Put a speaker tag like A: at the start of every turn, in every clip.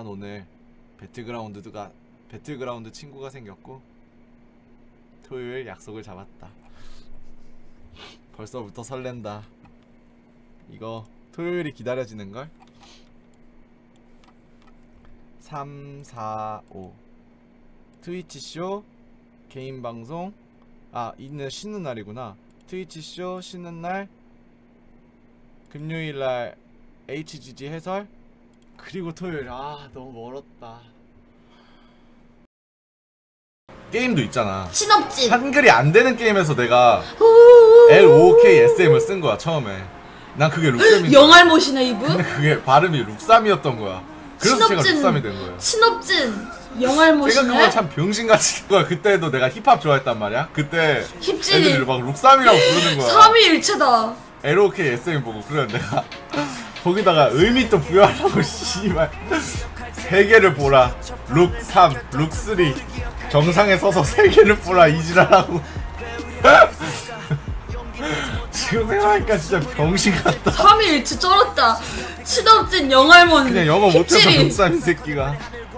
A: 난 오늘 배틀그라운드 친구가 생겼고 토요일 약속을 잡았다. 벌써부터 설렌다. 이거 토요일이 기다려지는걸? 3, 4, 5 트위치쇼 개인방송. 아, 이날 쉬는 날이구나. 트위치쇼 쉬는 날, 금요일날 HGG 해설, 그리고 토요일. 아, 너무 멀었다. 게임도 있잖아.
B: 신업진
A: 한글이 안 되는 게임에서 내가 LOKSM을 쓴 거야 처음에. 난 그게 룩삼이.
B: 영알못이네 이분.
A: 근데 그게 발음이 룩삼이었던 거야. 그래서 제가 룩삼이 된 거예요.
B: 신업진 영알못이네.
A: 생각해보면 참 병신같이 된 거야. 그때도 내가 힙합 좋아했단 말이야. 그때
B: 힙질이
A: 애들이 막 룩삼이라고 부르는 거야.
B: 삼위일체다.
A: LOKSM 보고. 그래 내가 거기다가 의미 또 부여하려고 씨발 세 개를 보라. 룩 3, 룩 3. 정상에 서서 세 개를 보라 이지랄하고. 지금 생각하니까 진짜 병신 같다.
B: 삼위일체 쩔었다. 신업진 영알못.
A: 그냥 영어 못해서 룩삼 이 새끼가.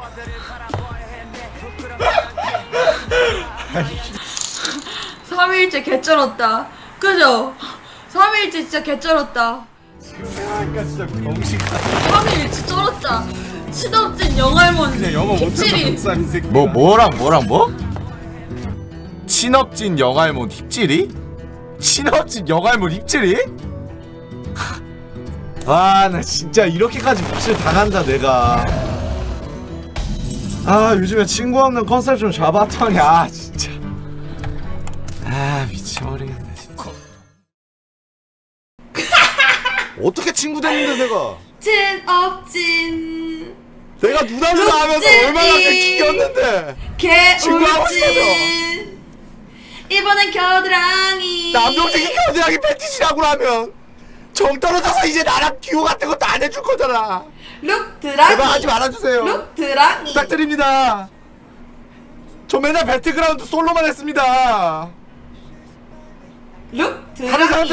B: 삼위일체 개쩔었다. 그죠? 삼위일체 진짜 개쩔었다.
A: 지금 생각하니까 진짜 병신 같다.
B: 삼위일체 쩔었다. 신업진 영알못.
A: 그냥 영어 못해서
B: 힙질이.
A: 룩삼 이 새끼가. 뭐랑 친업진 영알못 힙질이? 친업진 영알못 힙질이? 아, 나 진짜 이렇게까지 묵실 당한다 내가. 아, 요즘에 친구 없는 컨셉 좀 잡았더니 아 진짜 아 미쳐버리겠네 진짜. 어떻게 친구 됐는데 내가.
B: 친업진
A: 내가 누나를 하면서 얼마나 기겼는데. 친구하고 싶어서.
B: 개울진 이번엔 겨드랑이.
A: 남동생이 겨드랑이 패티시라고 하면 정 떨어져서 이제 나랑 듀오 같은 것도 안 해줄 거잖아.
B: 룩드랑이.
A: 제발 하지 말아주세요.
B: 룩드랑이.
A: 부탁드립니다. 저 맨날 배틀그라운드 솔로만 했습니다.
B: 룩드랑이.
A: 다른 사람들